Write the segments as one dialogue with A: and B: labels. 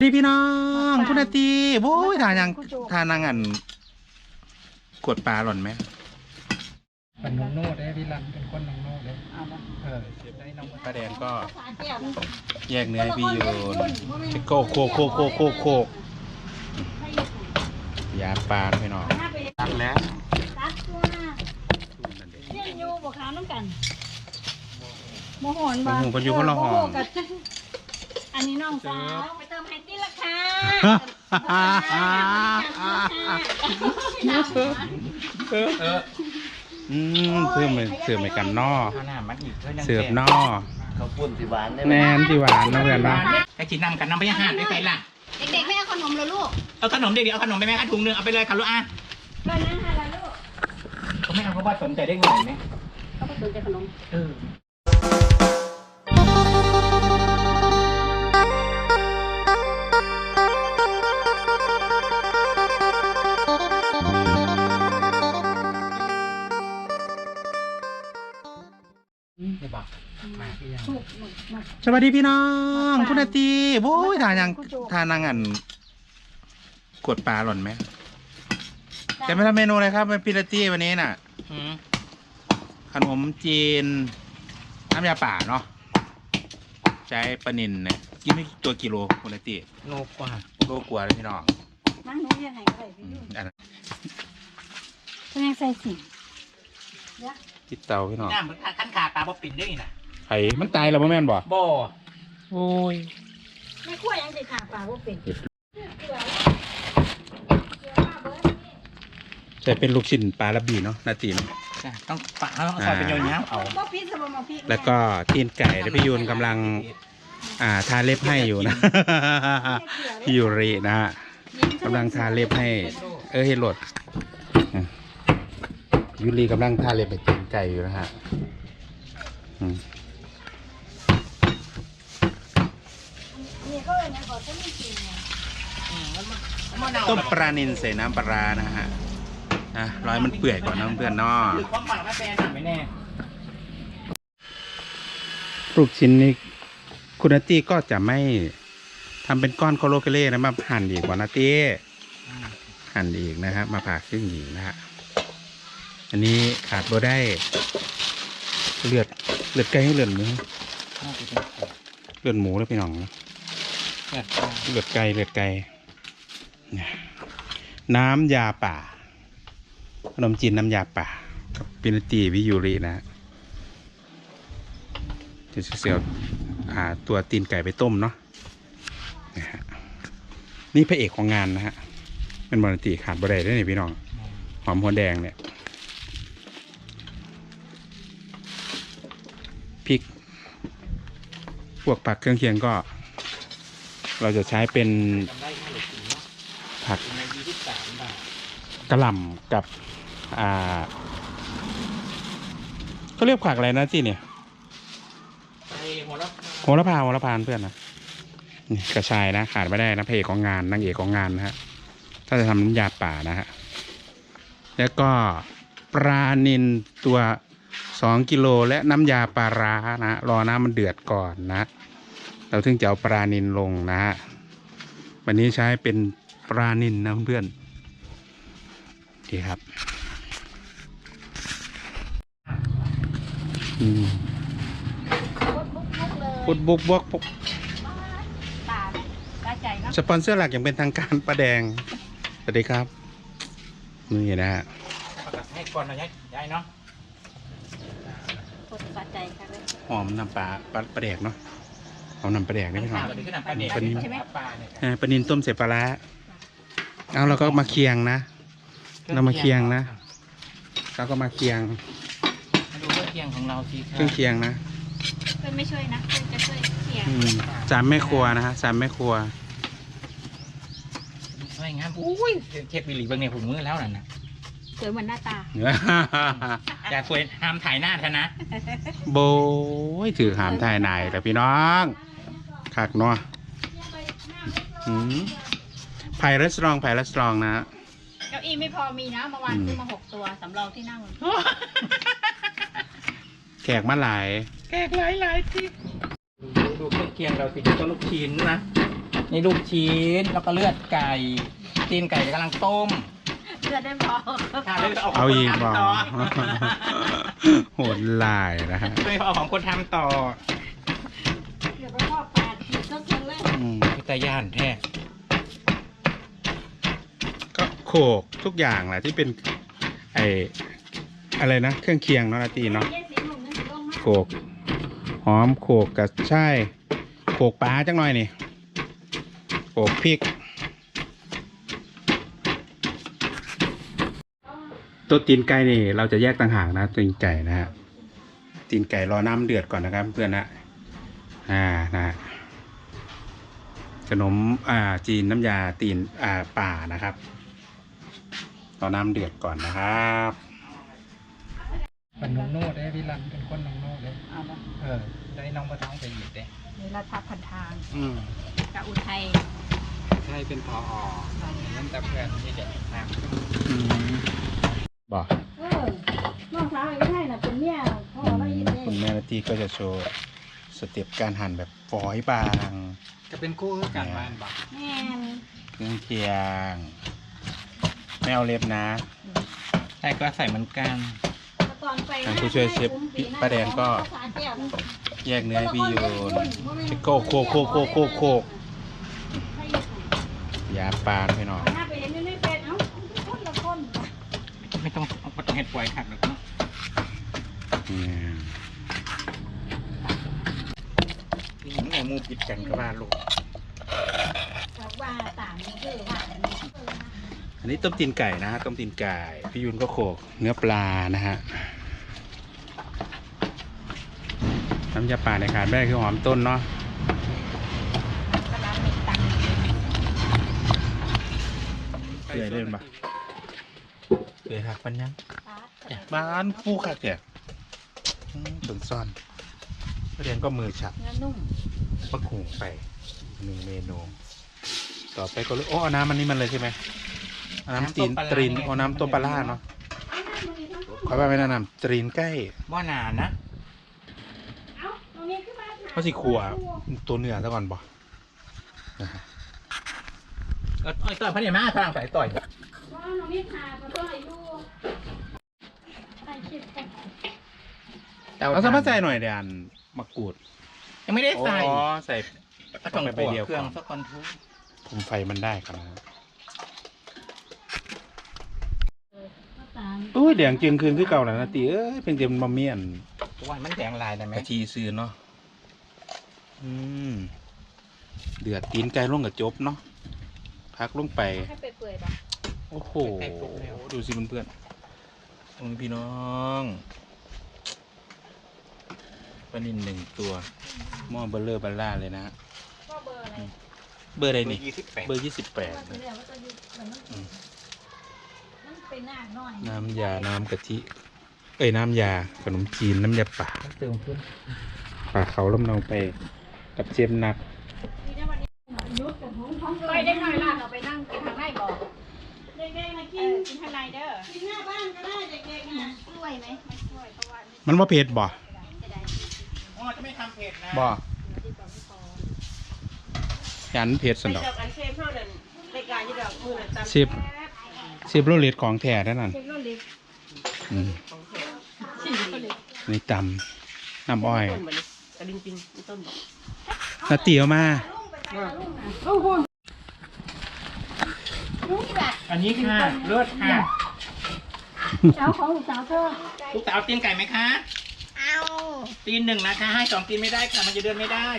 A: ดีพี่น้องคุณอาตีโว้ยทานยังทานนางอันกดปลาหล่นไหม
B: เป็นน้องโน้ตได้พี่รันเป็นคนน้องโน้ตเลยเออเสียบได้น้อง
A: ปลาแดงก็แยกเนื้อพี่โยนโคกโคกยาปลาพี่น้องตักแล้ว
C: ตักตัวเรียนอยู่บวกขาวน้ำกันโมโหนบ้าง
A: คนอยู่คนละห้อง
C: อันนี้น้องสาวไปเติมไฮตี้ราคา
A: เพิ่มไปกันนอเสือบนอ
D: เขาปุ้นสีหวานได้ไหม
A: แนนที่หวานนะเพื่อนนะ
B: ไอ้กินน้ำกันน้ำไปยังหาดได้ไปล่ะ
C: เด็กๆไม่เอาขนมเลยลูก
B: เอาขนมเด็กๆเอาขนมไปไหมคะถุงนึงเอาไปเลยค่ะลูกอ่ะ
C: ก็นั่งหาแล้วลูก
B: เขาไม่เอาเพราะว่าสนใจได้เงินไหม
C: เขาไปสนใจขนม
A: สวัสดีพี่น้องคุณอาตีโว้ยทานยังทานนางอันกดปลาหล่นไหมจะไม่ทำเมนูอะไรครับเป็นพิลาตี้วันนี้น่ะขนมจีนน้ำยาป่าเนาะใช้ปลานิลเนี่ยกินไม่ตัวกิโลคุณอาตี
B: โลกว่า
A: เลยพี่น้อง
C: นั่งหนูยังไงก็ได้พี่ดูจะยังใส่สิ่ง
A: ติดเตาพี่น้อง
B: น้ำขั้นขาปลาบ่ปิ่นได้ไง
A: ไข่มันตายแล้วบ่แม่นบ่โอ้ย
C: ไม่ขั้วยังจะขาปลาว่าเป็น
A: ใช่เป็นลูกชิ้นปลาระบีเนาะนาตีน
B: ต้องปะต้องซอยเป็นยาวๆเอา
A: แล้วก็ตีนไก่แล้วพี่ยูนกำลังทาเล็บให้อยู่นะพี่ยูรินะฮะกำลังทาเล็บให้เฮโรดยูริกำลังทาเล็บไปตีนไก่อยู่นะฮะต้มปลานิลใส่น้ำปลานะฮะร้อยมันเปื่อยก่อนนะเพื่อนๆเนาะลูกชิ้นนี้คุณนาตี้ก็จะไม่ทำเป็นก้อนโคโลเกเล่นะมาหั่นอีกกว่านาตี้หั่นอีกนะครับมาผ่าครึ่งอีกนะฮะอันนี้ขาดบ่ได้เลือดไก่ให้เลือดหมูแล้วพี่น้องนะเลือดไก่น้ำยาป่าขนมจีนน้ำยาป่ากับปินตีวิยูรินะจะเสียวตัวตีนไก่ไปต้มเนาะนี่พระเอกของงานนะฮะเป็นบริตีขาดบะไดได้เนี่ยพี่น้องหอมหัวแดงเนี่ยพริกพวกผักเครื่องเคียงก็เราจะใช้เป็นผักกระหล่ำกับเขาเรียกผักอะไรนะที่เนี่ยโหระพาเพื่อนนะนี่กระชายนะขาดไม่ได้นะพระเอกของงานนางเอกของงานนะฮะถ้าจะทำน้ำยาป่านะฮะแล้วก็ปลานิลตัว2 กิโลและน้ำยาปลาร้านะรอน้ำมันเดือดก่อนนะเราถึงจะเอาปลานิลลงนะฮะวันนี้ใช้เป็นปลานิลนะเพื่อนดีครับปุดบุกบวกสปอนเซอร์หลักอย่างเป็นทางการปลาแดงสวัสดีครับนี่นะฮะ
B: ให้ก่อนหน่อยยายเนาะ
A: หอมน้ำปลาแดกเนาะเอาน้ำปลาแดกนี่พี่น้องปลานิลต้มเสร็จปลาร้าเอาเราก็มาเคียงนะเรามาเคียงนะเราก็มาเคียง
B: ดูเครื่องเคียงของเราสิ
A: เครื่องเคียงนะ
C: เพื่อนไม่ช่วยนะเพื่อนจะช่วยเคียง
A: 3 แม่ครัวนะฮะ3 แม่ครัว
B: สวยงามอุ้ยเชฟบิลลี่เบิ้งเนี่ยผมมือแล้วน่ะ
C: สวยเหมือนหน้าตา
B: อย่าสวยห้ามถ่ายหน้าเถอะนะ
A: โบยถือหามถ่ายไหนแต่พี่น้องคักเนาะไผ่รีสอร์ทนะ
C: เก้าอี้ไม่พอมีนะเมื่อวานซื้อมา6 ตัวสำรองที่นั่ง
A: แขกมาหลาย
B: ที่ดูเครื่องเคียงเราสิต้นลูกชิ้นนะนี่ลูกชิ้นแล้วก็เลือดไก่ตีนไก่กำลังต้ม
C: เลือดได้พอ
B: ค่ะแล้ว
A: เอาอีก
B: บ
A: บ่
B: ต่อ
A: โหดลายนะฮะ
B: เลยเอาของคนทำต่อ
C: เดี๋ยวไปพ่อปาดขีดสักคนเลย
B: พิตาย่านแท้
A: ก็โขกทุกอย่างแหละที่เป็นไออะไรนะเครื่องเคียงเนาะนาตีเนาะ
C: เย็นสีหนุ่มนั่นสิลงมา
A: โขกหอมโขกกับใช่โขกปลาจังหน่อยนี่โขกพริกตัวตีนไก่นี่เราจะแยกต่างหากนะตีนไก่นะฮะตีนไก่รอน้ำเดือดก่อนนะครับเพื่อนนะนะฮะขนมจีนน้ำยาตีนป่านะครับรอน้ำเดือดก่อนนะครับ
B: เป็นน้องโน่ได้พี่รันเป็นคนน้องโน่เลย
C: เอาละ
B: ได้น้องปลาท้องไปหยิบเด้
C: เดี๋ยวเราทับพันทางกับอุทัย
B: ใช่เป็นพอนั่นแต่เพื่อนที่เด็กนะ
A: บอก
C: น้องสาวไอ้อุทัยน่ะเป็นเมียพ่อเรายินดี
A: คุณแม่นาทีก็จะโชว์สเต็ปการหั่นแบบฝอยบาง
B: จะเป็นคู่กันบ้านบอก
C: แม่น
A: เครื่องเคียงไม่เอาเล็บนะ
B: ใช่ก็ใส่เหมือนกัน
C: ตอนไป
A: ทางผู้ช่วยเชฟป้าแดงก็ แยกเนื้อให้พี่โยนโคกโคกโคกโคกโคกโคกยาปานพี่น้อง
C: หน้าไปเห็นในเฟซเอ้าคนละคน
B: ไม่ต้องเห็ดป่วยขัดหรอกเนาะ นี่หมูปิดกันก็ว่าลูก
C: บอกว่าต่างนี่คือว่า
A: อันนี้ต้มตีนไก่นะฮะต้มตีนไก่พี่ยุนก็โขกเนื้อปลานะฮะน้ำยาป่าในขาดไม่ได้คือหอมต้นเนาะ
C: กระดานมีตัง
A: เกลือเล่นปะเกลือหักปันยัง
C: ค์
A: บ้านฟูค่ะแกถึงซ่อนประเด็นก็มือฉับ
C: เนื้อนุ่ม
A: มะขุ่งไปหนึ่งเมนูต่อไปก็เลยโอ้เอาน้ำมันนี่มันเลยใช่ไหมเอาน้ำตรีนเอาน้ำต้มปลาร่าเนาะขอไปแนะนำตรีนใกล้
B: บ่นานนะ
C: เอ้าตรงนี้ขึ้นมา
A: เขาสิขัวตัวเนื้อซะก่อนบ่นะฮะ
B: ต่อยพระเนมาพลังสายต่อย
C: ว่าน้องนี่ทาก็ต้องอายุใส่คลิปกัน
A: เอาสะพัดใส่หน่อยเดี๋ยวอันมะกรูด
B: ยังไม่ได้ใส่
A: อ๋อใส่
B: ก็ต้อง
A: ไป
B: ไป
A: เดียว
B: เครื่อง
A: ก่อน
B: สักคนทุก
A: คุมไฟมันได้ครับ
C: ตาม
A: อุ้ยเดี๋ยงจึงคืนคือเก่าแล้วนะตีเอ้ยเพียงเดียวมันมาเมียน
B: วันมันแดงลายได้ไหม
A: กะทิซื้อเนาะเดือดตีนไก่ลงกับจบเนาะพักลงไป
C: ให้เปื่อยๆป่ะ
A: โอ้โห ดูสิเพื่อนๆโอ้ยพี่น้องปลานิน1 ตัวหม้อเบลเลอร์บัลล่าเลยนะฮะ
C: ก็เบอร์อะไร
A: เบอร์อะไร
B: นี่
A: นี่
B: 28
A: เบอร์
C: ว่า
A: 28
C: จะ
A: นะ
C: เรียกว่าจะอยู่เหมือนมันเป็นหน้าหน่อย
A: น้ำยา น้ำกะทิ เอ้ย น้ำยา ขนมจีน น้ำยาป่า
B: เติมขึ้น
A: ป่าเขาลำเนาไปกับเจมนัก
C: ยุดกับผมท้องไปได้หน่อยล่ะเราไปนั่งกินทางไหนบอกเด็กๆมากินกินทางไหนเด้อกินหน้าบ้านก็ได้เด็กๆนะช่วยไหมไม่ช่วยเพราะว่า
A: มันว่าเผ็ดบ่
C: จะได้
B: อ๋อจะไม่ทำเผ็ดนะ
A: บ่ยันเผ็ดสันดอก
E: อันเชฟเท่านั้นรายการที่เรามือนั้นตาม
A: สิบโรเลตของแท้ได้นั่น
C: เด็กรุ่นเล็ก
A: อืม
C: สี่คนเล็ก
A: นี่ตำน้ำอ้อย
E: ต้นมันกระดิ่งปิงต้นบอก
A: นาเตี๋ยวมา
B: อันนี้ค่ะเลือดค่ะ
C: สาวของสาวเธอ
B: ลูกสาวตีนไก่ไหมคะ
C: เอา
B: ตีน1นะคะให้2ตีนไม่ได้ค่ะมันจะเดินไม่ได้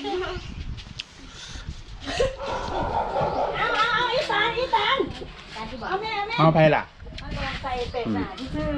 C: เอาอีสานเอาแม่
A: เอาไปล่ะ
C: เอาลงใส่เป็ดหนาที่ซื้อ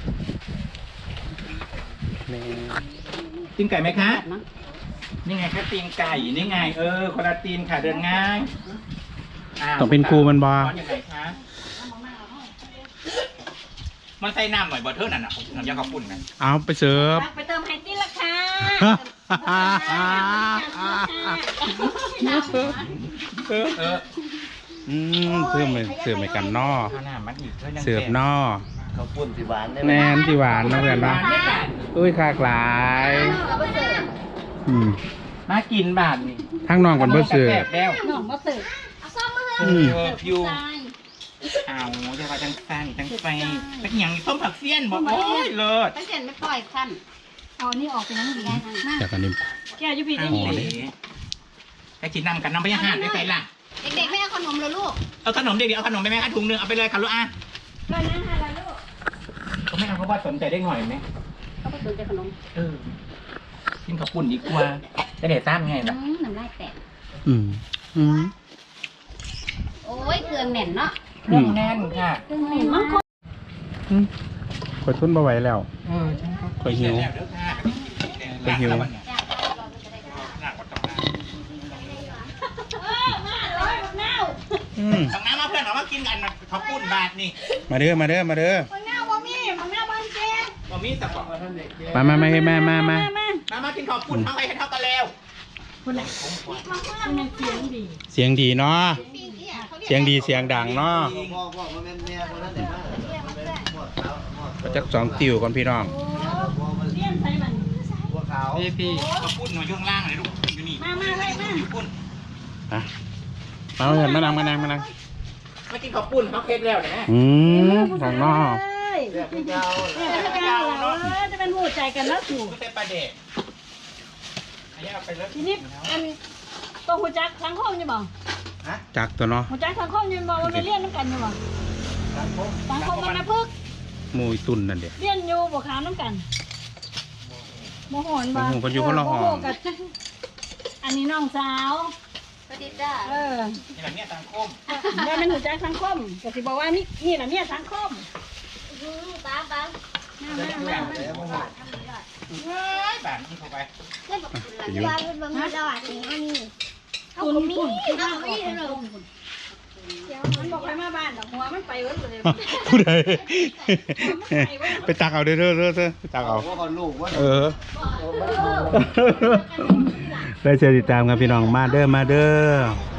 B: ตีนไก่ไหมคะนี่ไงคะตีนไก่นี่ไงคนละตีนค่ะเดินง่ายาว
A: ต้องเป็นครูมันบ่
B: ร้อนอยู่ไหนคะมันใส่น้ำหน่อยบอเทอร์นั่นน่ะน้ำยาข้าวปุ้นกัน
A: เอาไปเสิร์ฟ
C: ไปเติมไฮตีละค่ะ
B: เออ
A: เพิ่มไปเสิร์ฟไปกันนอ
B: ข้าวหน้ามันอีกยัง
A: เสิร์ฟนอ
D: ข้าวปุ้นที่หวานได้ไหม
A: แนนที่หวานนะเพื่อน
B: หวา
A: เนาะ
B: นไม่ได้
A: อุ้ยคากหลาย
C: เอาไปเสิร์ฟ
A: อืม
B: มากินบาทนี่
A: ทั้งน้องก่อนเบอร์เสือ
B: แซ่บแล้ว
C: น้องมาเสิร์ฟเอาซ่อมมา
B: เอ
C: เลย
B: ออยู่
C: ทราย
B: เอาจะว่าจังซันจังไฟเป็นอย่างต้มผักเสี้ยนบอกโอ้ยเลิศ
C: ตั้งแต่ไม่ปล่อยขั้นเอานี่ออกไปนั่งดีได้ทางหน้า
A: จากอันนี้
C: แก้วยุพี
B: เอา
C: ได้ยิน
B: เลยไอ้กินน้ำกันน้ำไปยังหาดไปใส่ล่ะ
C: เด็กๆไม่เอาขนมเลยลูก
B: เอาขนมเด็กๆเอาขนมไปไหมคะถุงหนึงเอาไปเลยค่ะลูกอ่ะ
C: ก็นั่งอะไรลูก
B: เขาไม่เอาเพราะว่าสนใจได้หน่อยไหม
C: เขาไปสนใจขนม
B: เออกินข้าวปุ้นดีกว่าจะเด็ดซ้ำไงล่ะ
C: น้ำลายแตก
A: อืมอืม
C: โอ้ยเกลือแน่นเนาะ
B: เครื่องแน่นค่ะ
C: เกลือแน่นมาก
A: คอยทุนมาไหวแล้ว
B: เออฉันก็
A: คอยหิว ไปหิว
C: มาเลยบักเน่า
A: อืม
B: ต้องน้ำมาเพื่อนเอามากินกันข้าวปุ้นบาทนี่
A: มาเด้อมาเด้อมาเด้อ
C: บักเน่าบ่มีบักเน่าบ้านเจ๊
B: บ่มีสักบอก
A: มา
B: มากินข้าวปุ้นเท่าไหร่เท่ากันแล้ว
C: มันเสียงดี
A: เสียงดีเนาะเสียงดีเสียงดังเนาะ
D: พ่อมาแม่แม่คนนั้นเด็กมากพวกขาว
A: จักสองติวก่อนพี่น้อง
C: เลี้ยนใส่มัน
D: พวกขาว
B: พี่ข้าวปุ้นมาช่วงล่างเลยลูกอยู่นี่
C: มาเลยมา
B: อยู่ปุ้น
A: อ่ะมาเถิดมานั่งมานั่งมานั่ง
B: มากินข้าวปุ้นเขาเค็ดแล้วเนี่ย
A: อืมของนอก
D: เรียกพี่เจ้า
C: จะเป็นหูใจกันแล้วถูก
B: ก็เป็นปลาเด็กอันนี้เอาไปแล้ว
C: ทีนี้อันตัวหูจักสังคมอยู่บ่
A: จักตัวเนาะ
C: หูจักสังคมอยู่บ่มันไปเรียนน้ำกันอยู่บ่สังคมมันนะพึก
A: หมูยตุนนั่นเด็ก
C: เรียนอยู่บ่ขามน้ำกันโมโหนบ่
A: โมโหกันอยู่คนละห้อง
C: โมโกับอันนี้น้องสาวสวัสดีจ้าเออ
B: นี่แหละเนี่ยสังคม
C: ว่ามันหูจักสังคมก็สิบอกว่านี่แหละเนี่ยสังคมป้าป้า
B: เฮ้ยแบบนี้เข้าไป
A: อยู่
C: คุณคุณมันบอกไปมาบ้านดอกหัวมันไปเว้ยเลย
A: ผู้ใดไปตักเอาเด้อไปตักเอา
D: พวกคนลูกว่า
A: เออได้เชิญติดตามครับพี่น้องมาเด้อ